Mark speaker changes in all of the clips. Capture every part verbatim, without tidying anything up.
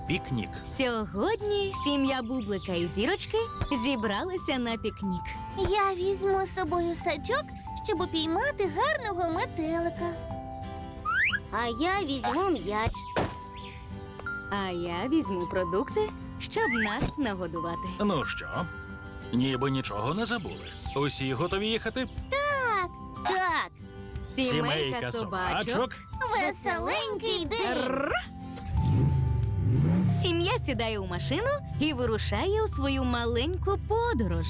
Speaker 1: пікнік.
Speaker 2: Сьогодні сім'я Бублика і Зірочки зібралися на пікнік.
Speaker 3: Я візьму з собою сачок, щоб упіймати гарного метелика.
Speaker 4: А я візьму м'яч.
Speaker 2: А я візьму продукти, щоб нас нагодувати.
Speaker 1: Ну що, ніби нічого не забули. Усі готові їхати?
Speaker 4: Так,
Speaker 2: Сімейка собачок.
Speaker 3: Веселенький день!
Speaker 2: Рр. Сім'я сідає у машину і вирушає у свою маленьку подорож.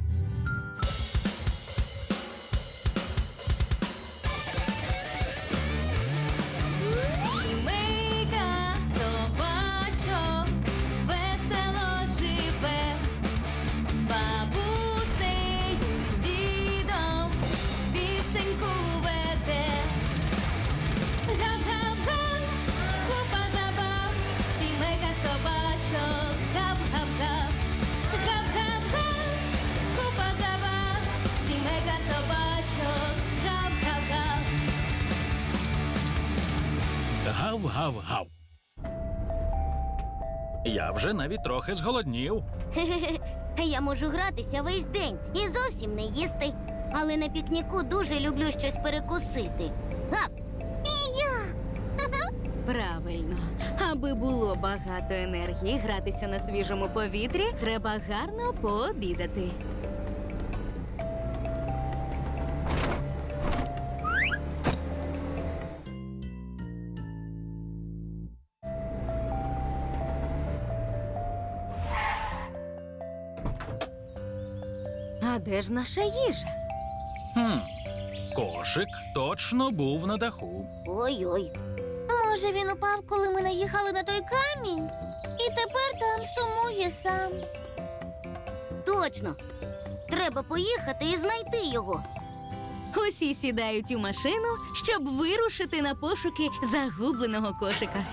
Speaker 2: Сімейка собачок весело живе, з бабусею, з дідом пісеньку веде. Гап-гап-га, купа забав, сімейка собачок, гап-гап-га. Гап-гап-га, купа забав, сімейка собачок, гап-гап-га.
Speaker 1: Гав-гав-гав. Я вже навіть трохи зголоднів.
Speaker 4: я можу гратися весь день і зовсім не їсти. Але на пікніку дуже люблю щось перекусити. Гав!
Speaker 2: Правильно. Аби було багато енергії гратися на свіжому повітрі, треба гарно пообідати. А де ж наша їжа?
Speaker 1: Хм, кошик точно був на даху.
Speaker 4: Ой-ой.
Speaker 3: Може, він упав, коли ми наїхали на той камінь? І тепер там сумує сам.
Speaker 4: Точно. Треба поїхати і знайти його.
Speaker 2: Усі сідають у машину, щоб вирушити на пошуки загубленого кошика.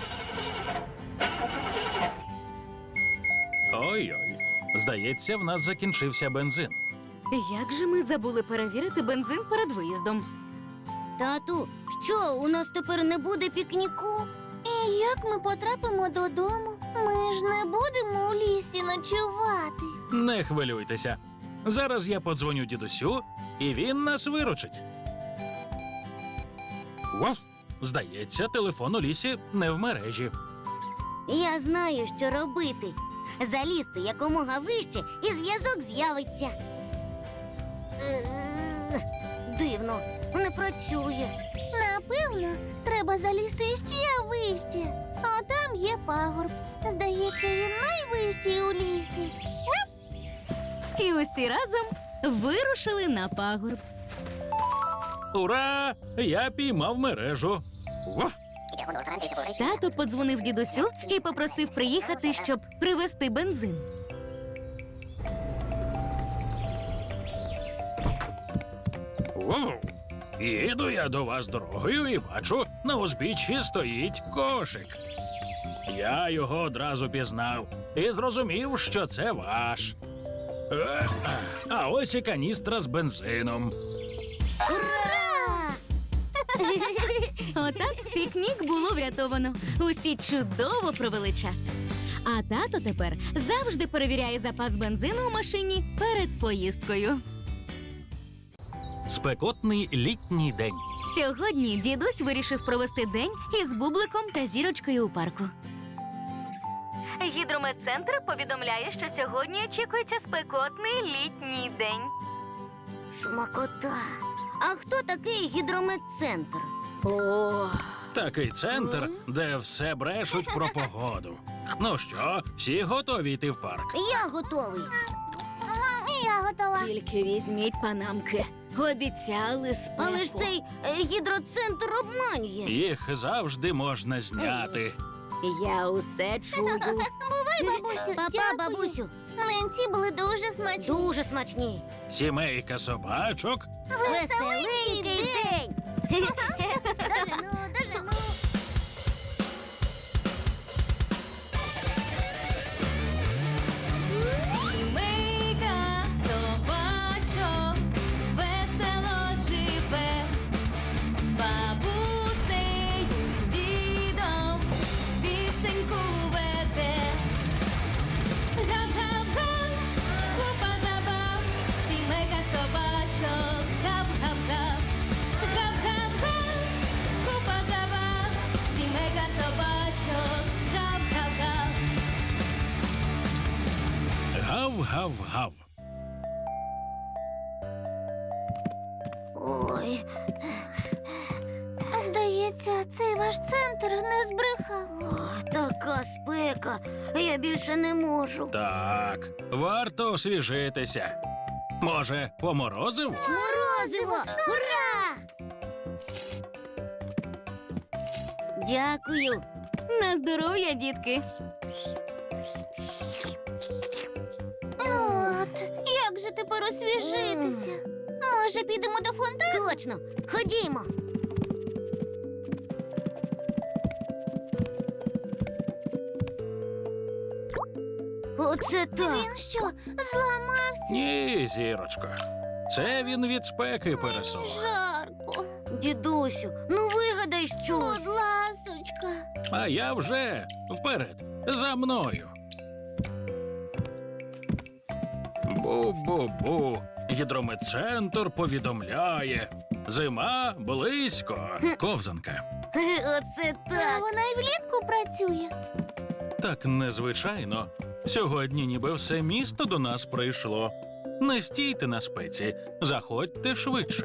Speaker 1: Ой-ой. Здається, в нас закінчився бензин.
Speaker 2: Як же ми забули перевірити бензин перед виїздом?
Speaker 4: Тату, що, у нас тепер не буде пікніку?
Speaker 3: І як ми потрапимо додому? Ми ж не будемо у лісі ночувати.
Speaker 1: Не хвилюйтеся. Зараз я подзвоню дідусю, і він нас виручить. Вов! Здається, телефон у лісі не в мережі.
Speaker 4: Я знаю, що робити. Залізти якомога вище, і зв'язок з'явиться. Е, Дивно, не працює.
Speaker 3: Напевно, треба залізти ще вище. А там є пагорб. Здається, він найвищий у лісі.
Speaker 2: І усі разом вирушили на пагорб.
Speaker 1: Ура! Я піймав мережу. Вов!
Speaker 2: Тато подзвонив дідусю і попросив приїхати, щоб привезти бензин.
Speaker 1: Вов! Їду я до вас дорогою і бачу, на узбіччі стоїть кошик. Я його одразу пізнав і зрозумів, що це ваш. Е, А ось і каністра з бензином.
Speaker 4: Ура!
Speaker 2: Отак пікнік було врятовано. Усі чудово провели час. А тато тепер завжди перевіряє запас бензину у машині перед поїздкою.
Speaker 1: Спекотний літній день.
Speaker 2: Сьогодні дідусь вирішив провести день із Бубликом та Зірочкою у парку. Гідрометцентр повідомляє, що сьогодні очікується спекотний літній день.
Speaker 4: Смакота. А хто такий гідрометцентр?
Speaker 2: О,
Speaker 1: Такий центр, де все брешуть про погоду. Ну що, всі готові йти в парк?
Speaker 4: Я готовий.
Speaker 3: І я готова.
Speaker 2: тільки візьміть панамки. Обіцяли спеку.
Speaker 4: Але ж цей е, гідроцентр обманює.
Speaker 1: Їх завжди можна зняти.
Speaker 2: Я усе чую.
Speaker 3: Бувай, бабусю.
Speaker 4: Папа,
Speaker 3: Дякую.
Speaker 4: бабусю,
Speaker 3: Млинці були дуже смачні.
Speaker 4: дуже смачні.
Speaker 1: Сімейка собачок.
Speaker 4: Веселенький день. Дожену, дожену.
Speaker 2: Сімейка собачок весело живе, з бабусею, з дідом пісеньку веде.
Speaker 1: Гав-гав-гав.
Speaker 3: Ой. Здається, цей ваш центр не збрехав.
Speaker 4: О, така спека. Я більше не можу.
Speaker 1: Так, варто освіжитися. Може, по морозиву?
Speaker 4: Морозиво! Ура! Дякую.
Speaker 2: На здоров'я, дітки.
Speaker 3: Ну от, як же тепер освіжитися? Може, підемо до фонтану?
Speaker 4: Точно. Ходімо. Оце так.
Speaker 3: Він що, зламався?
Speaker 1: Ні, зірочко. Це він від спеки пересох.
Speaker 3: Жарко.
Speaker 4: Дідусю, ну вигадай щось.
Speaker 3: Будь ласочка.
Speaker 1: А я вже вперед, за мною. Бу-бу-бу. Гідрометцентр повідомляє. Зима близько. Ковзанка.
Speaker 4: Оце
Speaker 3: А
Speaker 4: так.
Speaker 3: вона і влітку працює.
Speaker 1: Так незвичайно. Сьогодні ніби все місто до нас прийшло. Не стійте на спеці, заходьте швидше.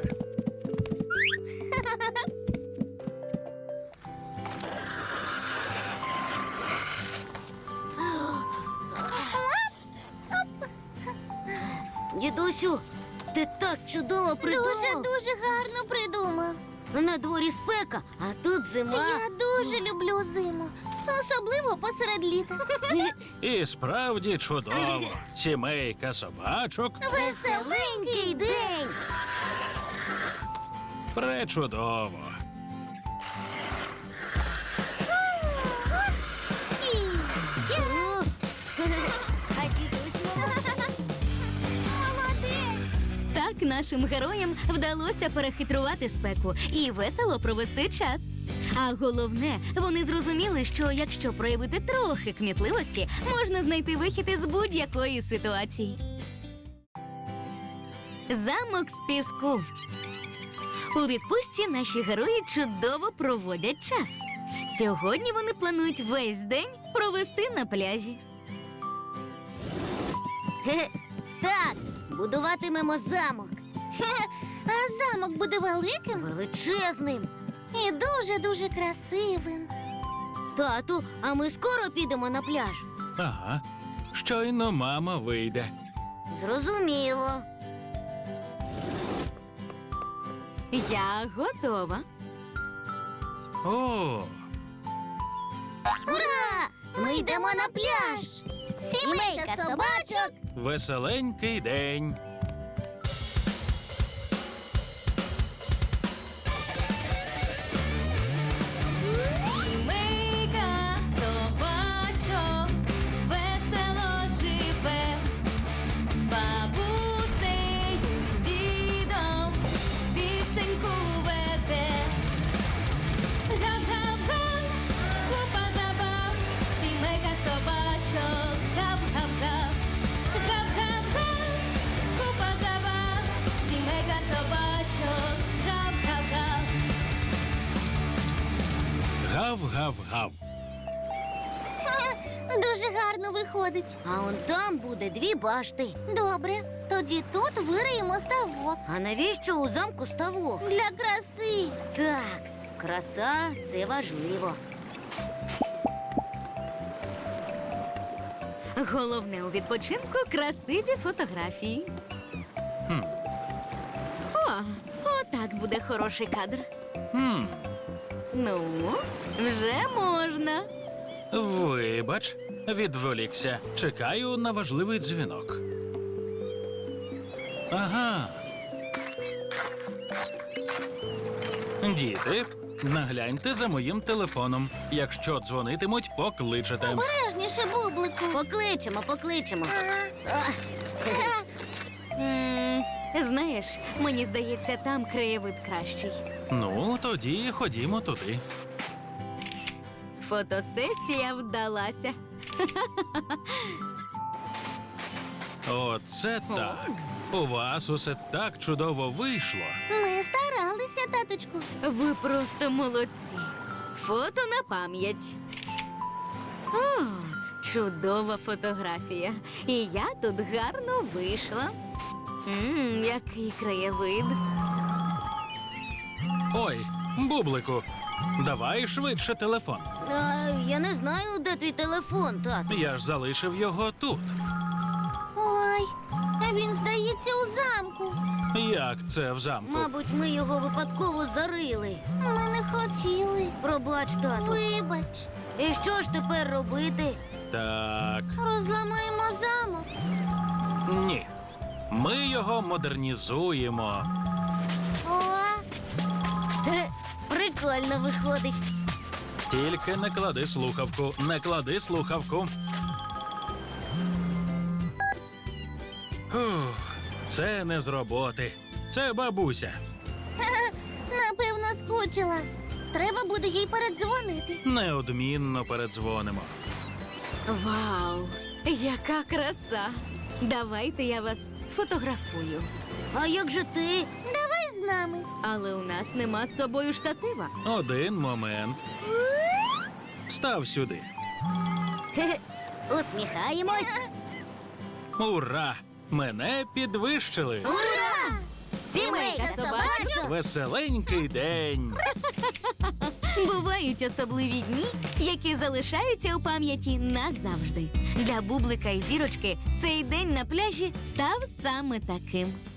Speaker 4: Дідусю, ти так чудово придумав.
Speaker 3: Дуже-дуже гарно придумав.
Speaker 4: На дворі спека, а тут зима.
Speaker 3: Я дуже люблю зиму. Особливо посеред літа.
Speaker 1: І справді чудово. Сімейка собачок
Speaker 4: Веселенький день.
Speaker 1: пречудово.
Speaker 4: О, А дідусь
Speaker 3: Молодець!
Speaker 2: Так нашим героям вдалося перехитрувати спеку і весело провести час. А головне, вони зрозуміли, що якщо проявити трохи кмітливості, можна знайти вихід із будь-якої ситуації. Замок з піску. У відпустці наші герої чудово проводять час. Сьогодні вони планують весь день провести на пляжі.
Speaker 4: Хе-хе. Так, будуватимемо замок.
Speaker 3: А замок буде великим
Speaker 4: Величезним.
Speaker 3: і дуже-дуже красивим.
Speaker 4: Тату, а ми скоро підемо на пляж.
Speaker 1: Ага. Щойно мама вийде.
Speaker 4: Зрозуміло.
Speaker 2: Я готова.
Speaker 1: О,
Speaker 3: Ура! Ми йдемо на пляж! Сімейка собачок!
Speaker 1: веселенький день.
Speaker 2: Сімейка собачок весело живе, з бабусею, з дідом пісеньку веде. Гав-гав-га, купа забав, сімейка собачок, гав-гав-гав. Гав-гав-га, купа забав, сімейка собачок, гав-гав-гав.
Speaker 1: Гав-гав-гав.
Speaker 3: Дуже гарно виходить.
Speaker 4: А он там буде дві башти.
Speaker 3: Добре, тоді тут вириємо ставок.
Speaker 4: А навіщо у замку ставок?
Speaker 3: Для краси.
Speaker 4: Так, краса це важливо.
Speaker 2: Головне у відпочинку красиві фотографії.
Speaker 1: Хм.
Speaker 2: О, отак буде хороший кадр.
Speaker 1: Хм.
Speaker 2: Ну, вже можна.
Speaker 1: Вибач, відволікся. Чекаю на важливий дзвінок. Ага. Діти, нагляньте за моїм телефоном. Якщо дзвонитимуть, покличете.
Speaker 3: Обережніше, бублику.
Speaker 4: Покличемо, покличемо.
Speaker 2: М, знаєш, мені здається, там краєвид кращий.
Speaker 1: Ну, тоді ходімо туди.
Speaker 2: Фотосесія вдалася.
Speaker 1: Оце так. У вас усе так чудово вийшло.
Speaker 3: Ми старалися, таточку.
Speaker 2: Ви просто молодці. Фото на пам'ять. О, Чудова фотографія. І я тут гарно вийшла. Мм, який краєвид.
Speaker 1: Ой, бублику, давай швидше телефон.
Speaker 4: А, я не знаю, де твій телефон, тату.
Speaker 1: Я ж залишив його тут.
Speaker 3: Ой, він здається у замку.
Speaker 1: Як це в замку?
Speaker 4: Мабуть, ми його випадково зарили.
Speaker 3: Ми не хотіли.
Speaker 4: Пробач, тату.
Speaker 3: Вибач,
Speaker 4: І що ж тепер робити?
Speaker 1: Так,
Speaker 3: розламаємо замок.
Speaker 1: ні. Ми його модернізуємо.
Speaker 3: О,
Speaker 4: Хе, прикольно виходить.
Speaker 1: Тільки не клади слухавку, не клади слухавку. Фух, це не з роботи. Це бабуся.
Speaker 3: напевно, скучила. Треба буде їй передзвонити.
Speaker 1: Неодмінно передзвонимо.
Speaker 2: Вау! Яка краса! Давайте я вас сфотографую.
Speaker 4: А як же ти?
Speaker 3: Давай з нами.
Speaker 2: Але у нас нема з собою штатива.
Speaker 1: Один момент. Став сюди.
Speaker 4: Хе-хе. Усміхаємось.
Speaker 1: Ура! Мене підвищили.
Speaker 3: Ура!
Speaker 2: Сімейка собачок!
Speaker 1: Веселенький день.
Speaker 2: Бувають особливі дні, які залишаються у пам'яті назавжди. Для Бублика і Зірочки цей день на пляжі став саме таким.